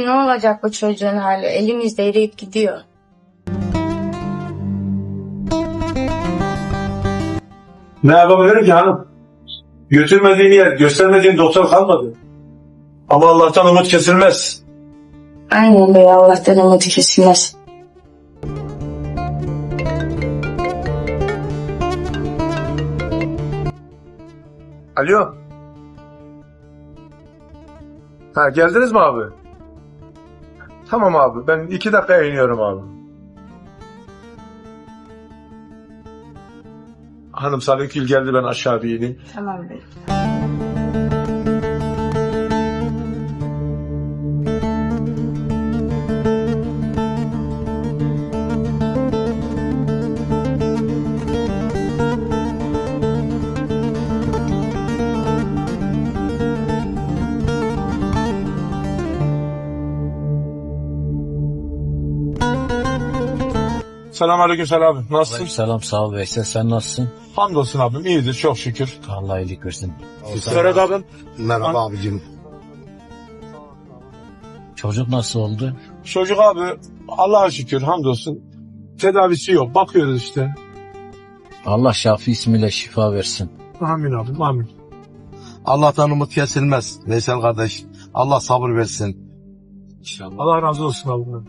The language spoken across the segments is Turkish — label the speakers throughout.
Speaker 1: ne olacak bu çocuğun hali? Elimizde eriyip gidiyor.
Speaker 2: Ne yapabilirim ki hanım? Götürmediğin yer, göstermediğin doktor kalmadı. Ama Allah'tan umut kesilmez.
Speaker 1: Aynen bey, Allah'tan umut kesilmez.
Speaker 2: Alo. Ha, geldiniz mi abi? Tamam abi, ben 2 dakikaya iniyorum abi. Hanım Salihgül geldi, ben aşağı bir ineyim.
Speaker 1: Tamam bey.
Speaker 2: Selamünaleyküm Selam abi. Nasılsın?
Speaker 3: Selam sağ ol Veysel, sen nasılsın?
Speaker 2: Hamdolsun abim, iyidir çok şükür.
Speaker 3: Allah iyilik versin.
Speaker 2: Ferhat abim.
Speaker 4: Merhaba abicim.
Speaker 3: Çocuk nasıl oldu?
Speaker 2: Çocuk abi, Allah'a şükür hamdolsun. Tedavisi yok, bakıyoruz işte.
Speaker 3: Allah Şafi ismiyle şifa versin.
Speaker 2: Amin abim, amin.
Speaker 4: Allah'tan umut kesilmez. Veysel kardeş. Allah sabır versin.
Speaker 3: İnşallah.
Speaker 2: Allah razı olsun abim.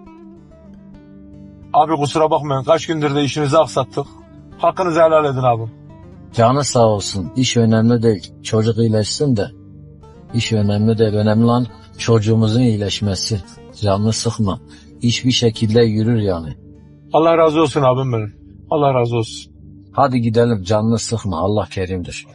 Speaker 2: Abi kusura bakmayın, kaç gündür de işinizi aksattık. Hakkınızı helal edin abim.
Speaker 3: Canı sağ olsun. İş önemli değil. Çocuk iyileşsin de. İş önemli değil. Önemli olan çocuğumuzun iyileşmesi. Canını sıkma. İş bir şekilde yürür yani.
Speaker 2: Allah razı olsun abim benim. Allah razı olsun.
Speaker 3: Hadi gidelim, canını sıkma. Allah kerimdir.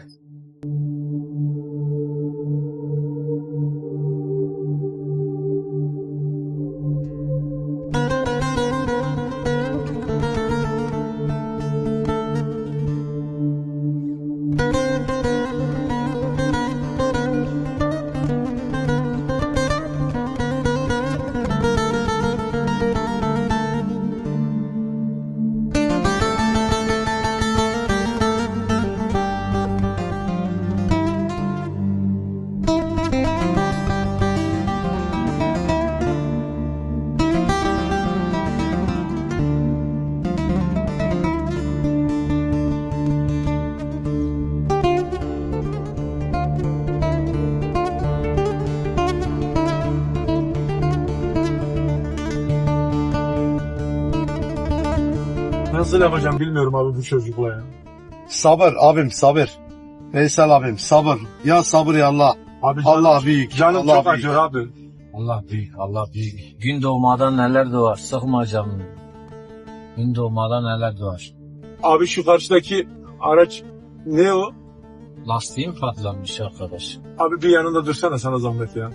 Speaker 2: Nasıl yapacağım bilmiyorum abi bu çocukla ya.
Speaker 4: Sabır abim sabır. Veysel abim sabır. Ya sabır ya Allah.
Speaker 2: Abi
Speaker 4: Allah büyük.
Speaker 2: Canım
Speaker 4: Allah
Speaker 2: çok
Speaker 4: büyük.
Speaker 2: acıyor abi.
Speaker 3: Allah büyük, Allah büyük. Gün doğmadan neler doğar. Sıkma canını. Gün doğmadan neler doğar.
Speaker 2: Abi şu karşıdaki araç ne o?
Speaker 3: Lastiğim patlamış arkadaş.
Speaker 2: Abi bir yanında dursana, sana zahmet ya.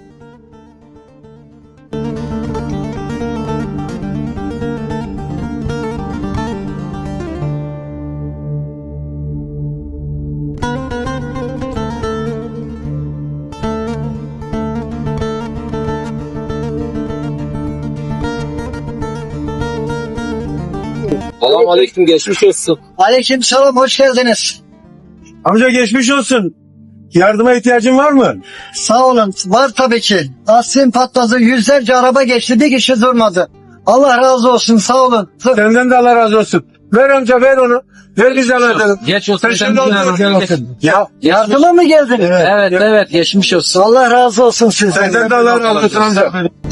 Speaker 3: Selamünaleyküm, geçmiş olsun.
Speaker 5: Aleykümselam, hoş geldiniz.
Speaker 2: Amca geçmiş olsun. Yardıma ihtiyacın var mı?
Speaker 5: Sağ olun, var tabii ki. Lastiğim patladı, yüzlerce araba geçti, bir kişi durmadı. Allah razı olsun, sağ olun.
Speaker 2: Senden de Allah razı olsun. Ver amca, ver onu. Ver biz edelim.
Speaker 3: Geç olsun.
Speaker 2: Sen şimdi otur. Ya
Speaker 5: Yardıma mı geldiniz?
Speaker 3: Evet, geçmiş olsun.
Speaker 5: Allah razı olsun sizden.
Speaker 2: senden de Allah razı olsun amca.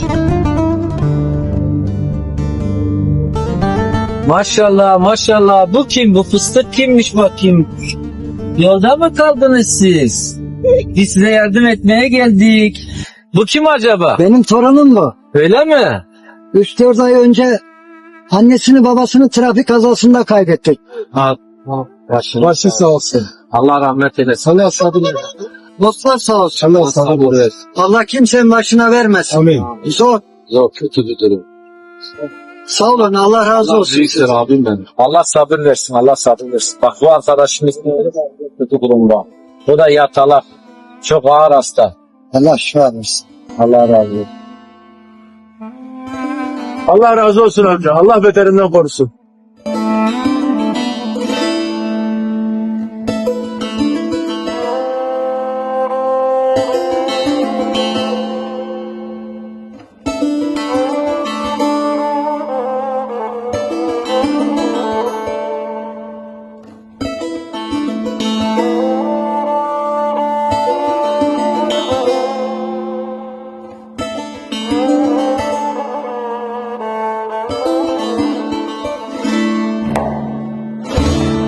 Speaker 6: Maşallah maşallah, bu kim, bu fıstık kimmiş bakayım? Yolda mı kaldınız siz? Biz size yardım etmeye geldik. Bu kim acaba?
Speaker 5: Benim torunum bu.
Speaker 6: Öyle mi?
Speaker 5: 3-4 ay önce annesini babasını trafik kazasında kaybettik.
Speaker 6: Başı sağ olsun. Allah rahmet eylesin.
Speaker 5: Allah sabır versin. Dostlar sağ olsun.
Speaker 6: Allah sabır versin.
Speaker 5: Allah kimsenin başına vermesin.
Speaker 2: Amin.
Speaker 5: Zor.
Speaker 6: Yok, kötü bir durum.
Speaker 5: Sağ olun, Allah razı olsun.
Speaker 6: Büyüksün abim benim. Allah sabır versin, Allah sabır versin. Bak bu arkadaşımız kötü durumda. Bu da yatalak. Çok ağır hasta.
Speaker 5: Allah şifa versin.
Speaker 6: Allah razı olsun.
Speaker 2: Allah razı olsun amca. Allah beterinden korusun.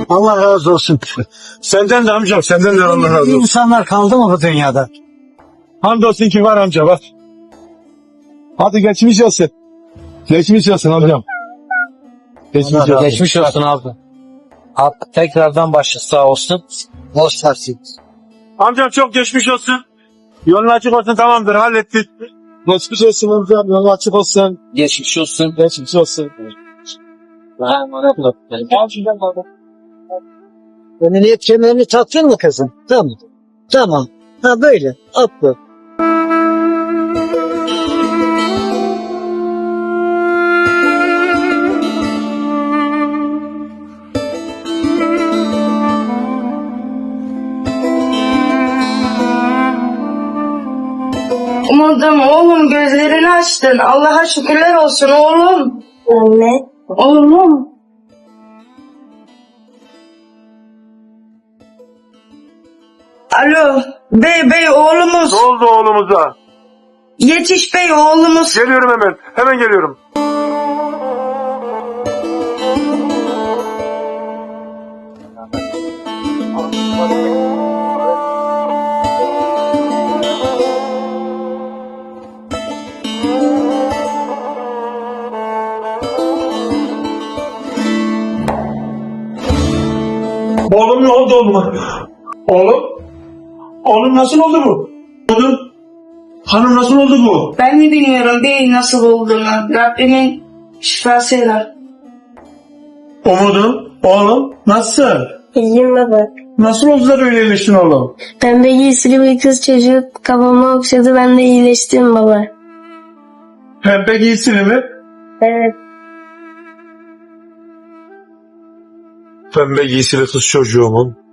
Speaker 5: Allah razı olsun.
Speaker 2: Senden de amcam, senden de Allah razı olsun.
Speaker 5: İnsanlar kaldı mı bu dünyada?
Speaker 2: Hamdolsun ki var amca bak. Hadi geçmiş olsun. Geçmiş olsun amcam. Geçmiş olsun.
Speaker 6: Geçmiş olsun abi. Abi tekrardan başı sağ olsun.
Speaker 5: Boş versin.
Speaker 2: Amcam çok geçmiş olsun. Yolun açık olsun, tamamdır, hallettik. Geçmiş olsun amcam, yolun açık olsun.
Speaker 6: Geçmiş olsun.
Speaker 2: Geçmiş olsun.
Speaker 5: Emniyet kemerini taktın mı kızım? Tamam. Tamam. Ha böyle. Atla.
Speaker 1: Umudum oğlum gözlerini açtın. Allah'a şükürler olsun oğlum. Anne. Oğlum. Alo. Bey oğlumuz.
Speaker 2: Ne oldu oğlumuza?
Speaker 1: Yetiş bey oğlumuz.
Speaker 2: Geliyorum hemen. Hemen geliyorum. Oğlum ne oldu oğluma? Oğlum? Oğlum nasıl oldu bu? Oğlum? Hanım nasıl oldu bu?
Speaker 1: Ben de bilmiyorum bey nasıl olduğunu. Rabbimin şifasıyla.
Speaker 2: Umudum, oğlum nasıl?
Speaker 7: İyiyim baba.
Speaker 2: Nasıl oldu da böyle iyileştin oğlum?
Speaker 7: Pembe giysili bir kız çocuğu kafama okşadı, ben de iyileştim baba.
Speaker 2: Pembe giysili mi?
Speaker 7: Evet.
Speaker 2: Pembe giysili kız çocuğumun.